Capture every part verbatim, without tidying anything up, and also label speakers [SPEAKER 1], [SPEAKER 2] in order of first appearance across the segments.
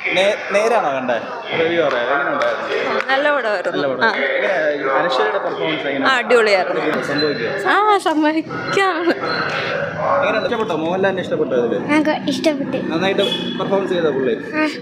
[SPEAKER 1] നേരാണോ കണ്ടേ? റിവ്യൂ പറയാം, എങ്ങനെയുണ്ടായിരുന്നു?
[SPEAKER 2] നല്ല പടമായിരുന്നു.
[SPEAKER 1] അനശ്വരയുടെ പെർഫോമൻസ് എങ്ങനെയാണ്?
[SPEAKER 2] അടിപൊളിയായിരുന്നു.
[SPEAKER 1] സംഭവിക്കുക
[SPEAKER 2] ആ സമ്മതിക്കാം.
[SPEAKER 1] എങ്ങനെയാണ്? ഇഷ്ടപ്പെട്ടോ? മോഹൻലാലിനെ ഇഷ്ടപ്പെട്ടോ? ഇതില്
[SPEAKER 3] ഇഷ്ടപ്പെട്ടു.
[SPEAKER 1] നന്നായിട്ട് പെർഫോമൻസ് ചെയ്ത പുള്ളി.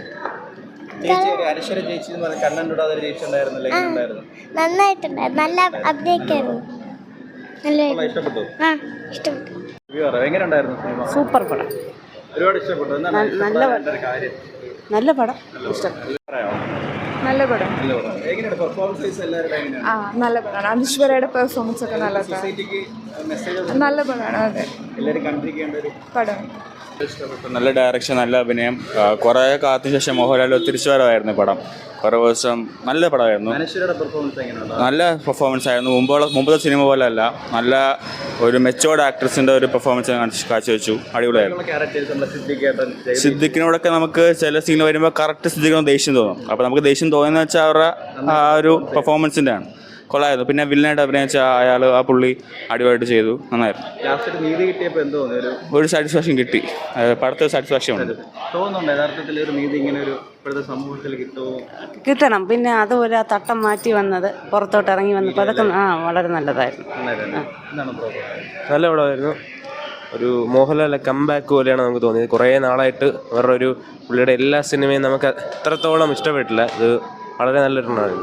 [SPEAKER 1] ചേച്ചി ഒരു അനശ്വര ചേച്ചി എന്ന് പറഞ്ഞ കണ്ണുണ്ടാതെ ചേച്ചി ഉണ്ടായിരുന്നില്ല, എങ്ങനെയുണ്ടായിരുന്നു?
[SPEAKER 3] നന്നായിട്ടുണ്ടായിരുന്നു. നല്ല അഭിനയിക്കായിരുന്നു. നല്ല
[SPEAKER 1] ഇഷ്ടപ്പെട്ടു.
[SPEAKER 3] ആ ഇഷ്ടപ്പെട്ടു.
[SPEAKER 1] റിവ്യൂ പറയാം, എങ്ങനെയുണ്ടായിരുന്നു സിനിമ?
[SPEAKER 4] സൂപ്പർ പടം,
[SPEAKER 1] ഒരുപാട് ഇഷ്ടപ്പെട്ടു. എന്താണ്
[SPEAKER 4] നല്ല
[SPEAKER 1] ഒരു കാര്യം?
[SPEAKER 4] നല്ല പടം, ഇഷ്ടപ്പെട്ടു.
[SPEAKER 1] പറയാമോ?
[SPEAKER 2] നല്ല പടം.
[SPEAKER 1] നല്ല പടം. എങ്ങനെയാണ് പെർഫോമൻസ് വൈസ് എല്ലാവരുടെ എങ്ങനെയാണ്?
[SPEAKER 2] ആ നല്ല പടമാണ്. അനശ്വരയുടെ പെർഫോമൻസ് ഒക്കെ നല്ലതാണ്.
[SPEAKER 1] സൊസൈറ്റിക്ക് മെസ്സേജ്
[SPEAKER 2] നല്ല പടമാണ്. അതെ,
[SPEAKER 1] എല്ലാവരും കണ്ടിരിക്കേണ്ട ഒരു
[SPEAKER 2] പടം.
[SPEAKER 1] ഇഷ്ടപ്പെട്ടു.
[SPEAKER 5] നല്ല ഡയറക്ഷൻ, നല്ല അഭിനയം. കുറേ കാലത്തിന് ശേഷം മോഹൻലാൽ തിരിച്ചു വരവായിരുന്നു പടം. കുറേ ദിവസം നല്ല പടമായിരുന്നു.
[SPEAKER 1] അനശ്വരയുടെ പെർഫോമൻസ് എങ്ങനെയുണ്ട്?
[SPEAKER 5] നല്ല പെർഫോമൻസ് ആയിരുന്നു. മുമ്പുള്ള മുമ്പത്തെ സിനിമ പോലെ അല്ല, നല്ല ഒരു മെച്ചോർഡ് ആക്ട്രസിൻ്റെ ഒരു പെർഫോമൻസ് കാഴ്ചവെച്ചു. അടിപൊളിയായിരുന്നു.
[SPEAKER 1] ക്യാരക്ടേഴ്സ് നമ്മുടെ സിദ്ദിഖേട്ടൻ,
[SPEAKER 5] സിദ്ദിഖിനോടൊക്കെ നമുക്ക് ചില സീൻ വരുമ്പോൾ കറക്റ്റ് സിദ്ദിഖിനോട് ദേഷ്യം തോന്നും. അപ്പോൾ നമുക്ക് ദേഷ്യം തോന്നുന്നത് വെച്ചാൽ അവരുടെ ആ ഒരു പെർഫോമൻസിൻ്റെ ആണ്. കൊള്ളായിരുന്നു. പിന്നെ വില്ലനായിട്ട് അഭിനയിച്ച അയാൾ, ആ പുള്ളി അടിപൊളിയായിട്ട് ചെയ്തു. നന്നായിരുന്നു.
[SPEAKER 1] ലാസ്റ്റ് നീതി കിട്ടിയപ്പോൾ എന്തോ ഒരു
[SPEAKER 5] ഒരു സാറ്റിസ്ഫാക്ഷൻ കിട്ടി. പടത്തിൽ സാറ്റിസ്ഫാക്ഷൻ ഉണ്ട്.
[SPEAKER 1] തോന്നുന്നുണ്ട് യഥാർത്ഥത്തിൽ ഒരു നീതി ഇങ്ങനെ ഒരു ഇപ്പോഴത്തെ സമൂഹത്തിൽ കിട്ടുമോ?
[SPEAKER 4] കിട്ടണം. പിന്നെ അതുപോലെ ആ തട്ടം മാറ്റി വന്നത്, പുറത്തോട്ട് ഇറങ്ങി വന്നപ്പോൾ അതൊക്കെ ആ വളരെ നല്ലതായിരുന്നു.
[SPEAKER 1] എന്താണ് പ്രോബ്ലം?
[SPEAKER 6] നല്ല പടമായിരുന്നു. ഒരു മോഹൻലാലിൻ്റെ കംബാക്ക് പോലെയാണ് നമുക്ക് തോന്നിയത്. കുറേ നാളായിട്ട് വേറെ ഒരു പുള്ളിയുടെ എല്ലാ സിനിമയും നമുക്ക് അത്രത്തോളം ഇഷ്ടപ്പെട്ടില്ല. ഇത് വളരെ നല്ലൊരെണ്ണമായിരുന്നു.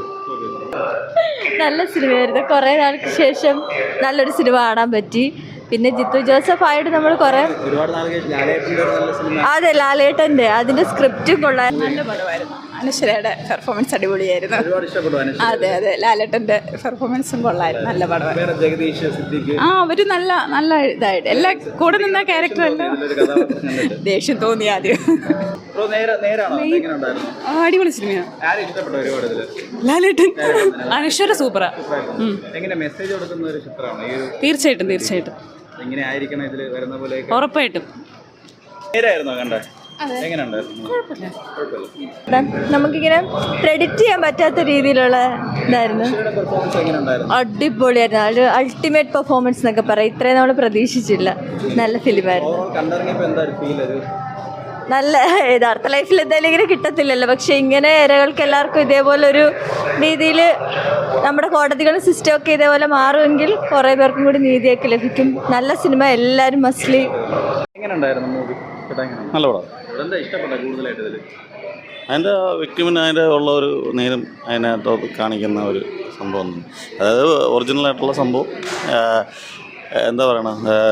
[SPEAKER 2] നല്ല സിനിമയായിരുന്നു. കുറേ നാൾക്ക് ശേഷം നല്ലൊരു സിനിമ കാണാൻ പറ്റി. പിന്നെ ജിത്തു ജോസഫ് ആയിട്ട് നമ്മൾ കുറേ
[SPEAKER 1] ഒരുപാട് നാൾ കഴിഞ്ഞ് ലാലേട്ടൻ്റെ ഒരു നല്ല സിനിമ.
[SPEAKER 2] അതെ, ലാലേട്ടൻ്റെ അതിൻ്റെ സ്ക്രിപ്റ്റും കൊള്ളാൻ. നല്ല പടമായിരുന്നു. അനശ്വരയുടെ പെർഫോമൻസ് അടിപൊളിയായിരുന്നു.
[SPEAKER 1] ഒരുപാട് ഇഷ്ടപ്പെട്ടു അനശ്വര.
[SPEAKER 2] അതെ അതെ, ലാലേട്ടൻ്റെ പെർഫോമൻസും കൊള്ളായിരുന്നു. നല്ല പടമായിരുന്നു.
[SPEAKER 1] വേറെ ജഗദീഷ്, സിദ്ദിഖ്,
[SPEAKER 2] ആ അവർ നല്ല നല്ല ഇതായിട്ട് എല്ലാ കൂടെ നിന്ന ക്യാരക്ടറല്ല.
[SPEAKER 1] ഇതിലൊരു കഥാപാത്രം കണ്ടിട്ട്
[SPEAKER 2] ദേഷ്യം തോന്നി ആദ്യം.
[SPEAKER 1] ബ്രോ നേരെ നേരാണോ? എങ്ങനെയുണ്ടായിരുന്നു?
[SPEAKER 2] അടിപൊളി സിനിമയാണ്.
[SPEAKER 1] ആരും ഇഷ്ടപ്പെട്ടു ഒരുപാട് ഇതില്?
[SPEAKER 2] ലാലേട്ടൻ, അനശ്വര സൂപ്പറാ.
[SPEAKER 1] എങ്ങനെ മെസ്സേജ് കൊടുക്കുന്ന ഒരു ചിത്രമാണ് ഈ ഒരു?
[SPEAKER 2] തീർച്ചയായിട്ടും തീർച്ചയായിട്ടും
[SPEAKER 1] എങ്ങനെ ആയിരിക്കണം ഇതിൽ വരുന്ന പോലെ?
[SPEAKER 2] ഉറപ്പായിട്ടും.
[SPEAKER 1] നേരായിരുന്നോ കണ്ടേ? എങ്ങനെയുണ്ടായിരുന്നു? കുഴപ്പമില്ല.
[SPEAKER 2] നമുക്കിങ്ങനെ പ്രെഡിക്റ്റ് ചെയ്യാൻ പറ്റാത്ത രീതിയിലുള്ള ഇതായിരുന്നു.
[SPEAKER 1] പെർഫോമൻസ് എങ്ങനെയുണ്ടായിരുന്നു?
[SPEAKER 2] അടിപൊളിയായിരുന്നു. ഒരു അൾട്ടിമേറ്റ് പെർഫോമൻസ് എന്നൊക്കെ പറയാം. ഇത്രയും നമ്മൾ പ്രതീക്ഷിച്ചില്ല. നല്ല ഫിലിമായിരുന്നു.
[SPEAKER 1] ഓവറോൾ കണ്ടിറങ്ങിയപ്പോൾ എന്താ ഒരു ഫീൽ? ഒരു
[SPEAKER 2] നല്ല യഥാർത്ഥ ലൈഫിൽ എന്തായാലും ഇങ്ങനെ കിട്ടത്തില്ലല്ലോ. പക്ഷെ ഇങ്ങനെ ഇരകൾക്ക് എല്ലാവർക്കും ഇതേപോലെ ഒരു രീതിയിൽ നമ്മുടെ കോടതികളും സിസ്റ്റം ഒക്കെ ഇതേപോലെ മാറുമെങ്കിൽ കുറേ പേർക്കും കൂടി നീതിയൊക്കെ ലഭിക്കും. നല്ല സിനിമ, എല്ലാവരും മസ്ലി.
[SPEAKER 1] എങ്ങനെയുണ്ടായിരുന്നു മൂവി?
[SPEAKER 5] നല്ല പടം.
[SPEAKER 1] എന്താ ഇഷ്ടപ്പെട്ട കൂടുതലായിട്ട് ഇതിൽ?
[SPEAKER 5] അതിൻ്റെ വ്യക്തിമിന് അതിൻ്റെ ഉള്ള ഒരു നേരം അതിനകത്ത് കാണിക്കുന്ന ഒരു സംഭവം, അതായത് ഒറിജിനലായിട്ടുള്ള സംഭവം. എന്താ പറയണ,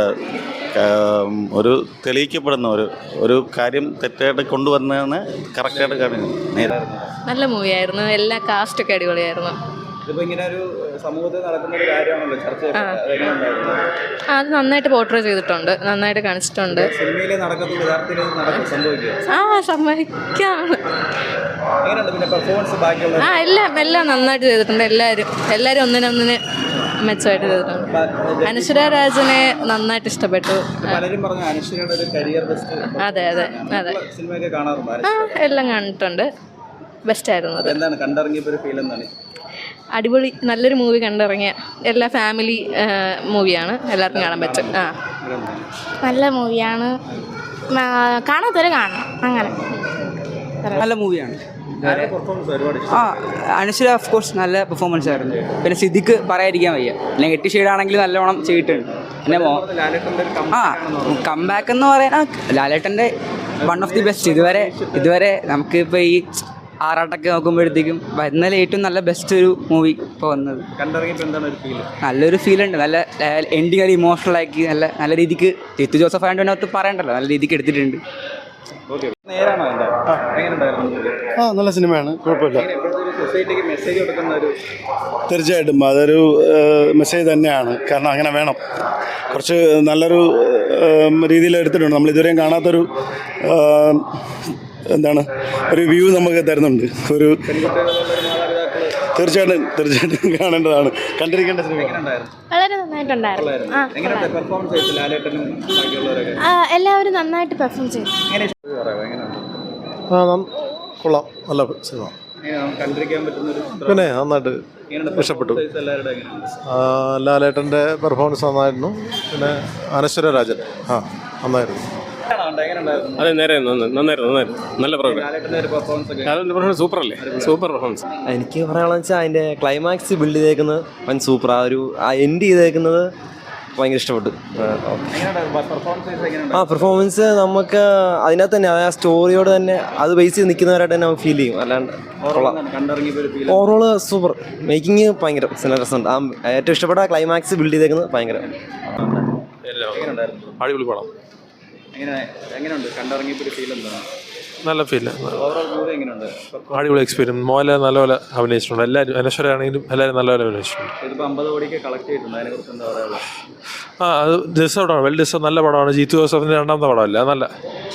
[SPEAKER 5] ഒരു തെളിയിക്കപ്പെടുന്ന ഒരു ഒരു കാര്യം തെറ്റായിട്ട് കൊണ്ടുവന്നതാണ് കറക്റ്റായിട്ട് കാണിക്കുന്നത്.
[SPEAKER 2] നല്ല മൂവിയായിരുന്നു. എല്ലാ കാസ്റ്റൊക്കെ അടിപൊളിയായിരുന്നു.
[SPEAKER 1] ഇതിപ്പോ ഇങ്ങനെ ഒരു സമൂഹത്തിൽ നടക്കുന്ന ഒരു കാര്യമാണല്ലോ ചർച്ച.
[SPEAKER 2] അത് നന്നായിട്ട് പോർട്രേ ചെയ്തിട്ടുണ്ട്, നന്നായിട്ട് കാണിച്ചിട്ടുണ്ട്.
[SPEAKER 1] സിനിമയിലെ നടക്കുന്ന യഥാർത്ഥത്തിൽ നടക്കും സംഭവിക്കുക.
[SPEAKER 2] ആ സമ്മതിക്കാം.
[SPEAKER 1] എങ്ങനെയുണ്ട് പിന്നെ പെർഫോമൻസ് ബാക്കിയുള്ള?
[SPEAKER 2] ആ എല്ലാം എല്ലാം നന്നായിട്ട് ചെയ്തിട്ടുണ്ട്. എല്ലാവരും എല്ലാവരും ഒന്നിനൊന്നിന് മെച്ചമായിട്ട് ചെയ്തിട്ടുണ്ട്. അനശ്വര രാജനെ നന്നായിട്ട് ഇഷ്ടപ്പെട്ടു.
[SPEAKER 1] പലരും പറഞ്ഞു അനശ്വരയുടെ ഒരു കരിയർ ബെസ്റ്റ്.
[SPEAKER 2] അതെ അതെ അതെ,
[SPEAKER 1] സിനിമയൊക്കെ കാണാറുണ്ട്.
[SPEAKER 2] ആ എല്ലാം കണ്ടിട്ടുണ്ട്. ബെസ്റ്റായിരുന്നു അത്.
[SPEAKER 1] എന്താണ് കണ്ടിറങ്ങിയപ്പോൾ ഒരു ഫീൽ എന്താണ്?
[SPEAKER 2] അടിപൊളി, നല്ലൊരു മൂവി കണ്ടിറങ്ങിയ. എല്ലാ ഫാമിലി മൂവിയാണ്, എല്ലാവർക്കും കാണാൻ പറ്റും. ആ
[SPEAKER 3] നല്ല മൂവിയാണ്. കാണാത്തവരെ കാണണം. അങ്ങനെ
[SPEAKER 7] നല്ല മൂവിയാണ്.
[SPEAKER 1] പെർഫോമൻസ് ഒരുപാട്
[SPEAKER 7] ആ അനശ്വര ഓഫ് കോഴ്സ് നല്ല പെർഫോമൻസ് ആയിരുന്നു. പിന്നെ സിദ്ദിഖ് പറയാതിരിക്കാൻ വയ്യ. അല്ലെങ്കിൽ എട്ട് ഷെയ്ഡാണെങ്കിൽ നല്ലോണം ചെയ്തിട്ടുണ്ട്. പിന്നെ മോ ആ കംബാക്ക് എന്ന് പറയാൻ ലാലേട്ടൻ്റെ വൺ ഓഫ് ദി ബെസ്റ്റ്. ഇതുവരെ ഇതുവരെ നമുക്കിപ്പോൾ ഈ ആറാട്ടൊക്കെ നോക്കുമ്പോഴത്തേക്കും വരുന്നതിൽ ഏറ്റവും നല്ല ബെസ്റ്റ് ഒരു മൂവി ഇപ്പോൾ വന്നത്. നല്ലൊരു ഫീലുണ്ട്. നല്ല എൻഡിങ് ഒരു ഇമോഷണൽ ആക്കി നല്ല നല്ല രീതിക്ക് ജിത്തു ജോസഫ് ആയതിനകത്ത് പറയണ്ടല്ലോ, നല്ല രീതിക്ക് എടുത്തിട്ടുണ്ട്.
[SPEAKER 8] ആ നല്ല സിനിമയാണ്, കുഴപ്പമില്ല. തീർച്ചയായിട്ടും അതൊരു മെസ്സേജ് തന്നെയാണ്. കാരണം അങ്ങനെ വേണം. കുറച്ച് നല്ലൊരു രീതിയിൽ എടുത്തിട്ടുണ്ട്. നമ്മൾ ഇതുവരെയും കാണാത്തൊരു എന്താണ് ഒരു വ്യൂ നമുക്ക് തരുന്നുണ്ട്. ഒരു തീർച്ചയായിട്ടും തീർച്ചയായിട്ടും കാണേണ്ടതാണ്, കണ്ടിരിക്കേണ്ട സിനിമ.
[SPEAKER 3] വളരെ നന്നായിട്ടുണ്ടായിരുന്നു. എല്ലാവരും നന്നായിട്ട് പെർഫോം ചെയ്തു.
[SPEAKER 8] ആ കൊള്ളാം, നല്ല സിനിമ. പിന്നെ നന്നായിട്ട് ഇഷ്ടപ്പെട്ടു. ലാലേട്ടൻ്റെ പെർഫോമൻസ് നന്നായിരുന്നു. പിന്നെ അനശ്വര രാജൻ ആ നന്നായിരുന്നു.
[SPEAKER 1] ഉണ്ടായിരുന്നു?
[SPEAKER 6] അതെ നേരെ നന്നായിരുന്നു നന്നായിരുന്നു നല്ല പ്രോഗ്രാം
[SPEAKER 1] ലാലേട്ടൻ്റെ ഒരു പെർഫോമൻസ് ഒക്കെ
[SPEAKER 6] സൂപ്പർ അല്ലേ സൂപ്പർ പെർഫോമൻസ്.
[SPEAKER 9] എനിക്ക് പറയാനുള്ളത് വെച്ചാൽ അതിൻ്റെ ക്ലൈമാക്സ് ബിൽഡ് ചെയ്തേക്കുന്നത് വൻ സൂപ്പർ. ആ ഒരു ആ എൻഡ് ചെയ്തേക്കുന്നത് ഭയങ്കര ഇഷ്ടപ്പെട്ടു.
[SPEAKER 1] പെർഫോമൻസ് എങ്ങനെയുണ്ട്?
[SPEAKER 9] ആ പെർഫോമൻസ് നമുക്ക് അതിനകത്ത് തന്നെ ആ സ്റ്റോറിയോട് തന്നെ അത് ബേസ് ചെയ്ത് നിൽക്കുന്നവരായിട്ട് തന്നെ നമുക്ക് ഫീൽ ചെയ്യും. അല്ലാണ്ട്
[SPEAKER 1] കണ്ടിറങ്ങിയപ്പോൾ ഒരു ഫീൽ
[SPEAKER 9] ഓവറോൾ സൂപ്പർ. മേക്കിങ് ഭയങ്കര നല്ല രസമുണ്ട്. ആ ഏറ്റവും ഇഷ്ടപ്പെട്ട ക്ലൈമാക്സ് ബിൽഡ് ചെയ്തേക്കുന്നത് ഭയങ്കര
[SPEAKER 1] എങ്ങനെയുണ്ടായിരുന്നു?
[SPEAKER 6] അടിപൊളി പടം
[SPEAKER 1] എങ്ങനെ എങ്ങനെയുണ്ട് കണ്ടിറങ്ങിയപ്പോൾ ഒരു ഫീൽ എന്താണ്?
[SPEAKER 6] നല്ല ഫീൽ
[SPEAKER 1] ഓവറോൾ മൂവി എങ്ങനെയുണ്ട്?
[SPEAKER 6] അടിപൊളി എക്സ്പീരിയൻസ്. മോഹൻലാൽ നല്ലപോലെ അഭിനയിച്ചിട്ടുണ്ട്. എല്ലാവരും അനശ്വരാണെങ്കിലും എല്ലാവരും നല്ലപോലെ അഭിനയിച്ചിട്ടുണ്ട്.
[SPEAKER 1] ഇതിപ്പോൾ അമ്പത് കോടിക്ക് കളക്ട് ചെയ്തിട്ടുണ്ട്, അതിനെക്കുറിച്ച് എന്താ പറയുക?
[SPEAKER 6] ആ അത് ഡിസേർവാണ് വെൽ ഡിസേർവ് നല്ല പടമാണ്. ജീത്തു ജോസഫിൻ്റെ രണ്ടാമത്തെ പടമല്ല നല്ല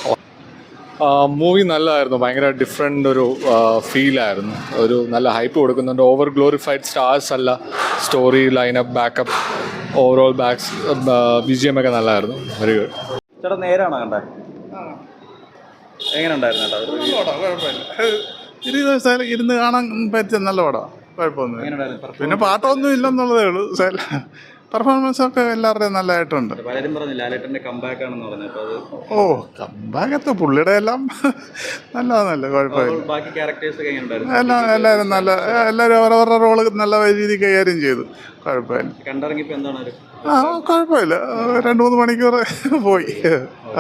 [SPEAKER 10] മൂവി നല്ലതായിരുന്നു. ഭയങ്കര ഡിഫറെൻ്റ് ഒരു ഫീലായിരുന്നു. ഒരു നല്ല ഹൈപ്പ് കൊടുക്കുന്നുണ്ട്. ഓവർ ഗ്ലോറിഫൈഡ് സ്റ്റാർസ് അല്ല. Story lineup backup overall backs B G M ഒക്കെ നല്ലതായിരുന്നു. Very good.
[SPEAKER 1] ചേട്ടാ നേരാണോ കണ്ടേ? എങ്ങനെ ഉണ്ടായിരുന്നു ചേട്ടാ?
[SPEAKER 8] ഇരുപത് ദിവസം ഇരുന്ന് കാണാൻ പറ്റിയ നല്ല പടമാണ്. കുഴപ്പമൊന്നും
[SPEAKER 1] എങ്ങനെയുണ്ടായിരുന്നു?
[SPEAKER 8] പിന്നെ പാട്ടൊന്നും ഇല്ലെന്നുള്ളതേ ഉള്ളൂ. പെർഫോമൻസ് ഒക്കെ എല്ലാവരുടെയും നല്ലതായിട്ടുണ്ട്.
[SPEAKER 1] പലരും പറഞ്ഞു ലാലേട്ടൻ്റെ കംബാക്ക് ആണെന്ന് പറഞ്ഞു. അപ്പോൾ അത്
[SPEAKER 8] ഓ കമ്പാകത്ത് പുള്ളിയുടെ എല്ലാം നല്ലതാണല്ലേ, കുഴപ്പമില്ല.
[SPEAKER 1] ബാക്കി ക്യാരക്ടേഴ്സ് ഒക്കെ എങ്ങനെയുണ്ടായിരുന്നു?
[SPEAKER 8] എല്ലാം എല്ലാവരും നല്ല എല്ലാവരും അവരവരുടെ റോള് നല്ല രീതിയിൽ കൈകാര്യം ചെയ്തു. കുഴപ്പമില്ല.
[SPEAKER 1] കണ്ടിറങ്ങിയപ്പോൾ എന്താണ് ഒരു
[SPEAKER 8] ആ കുഴപ്പമില്ല. രണ്ട് മൂന്ന് മണിക്കൂർ പോയി.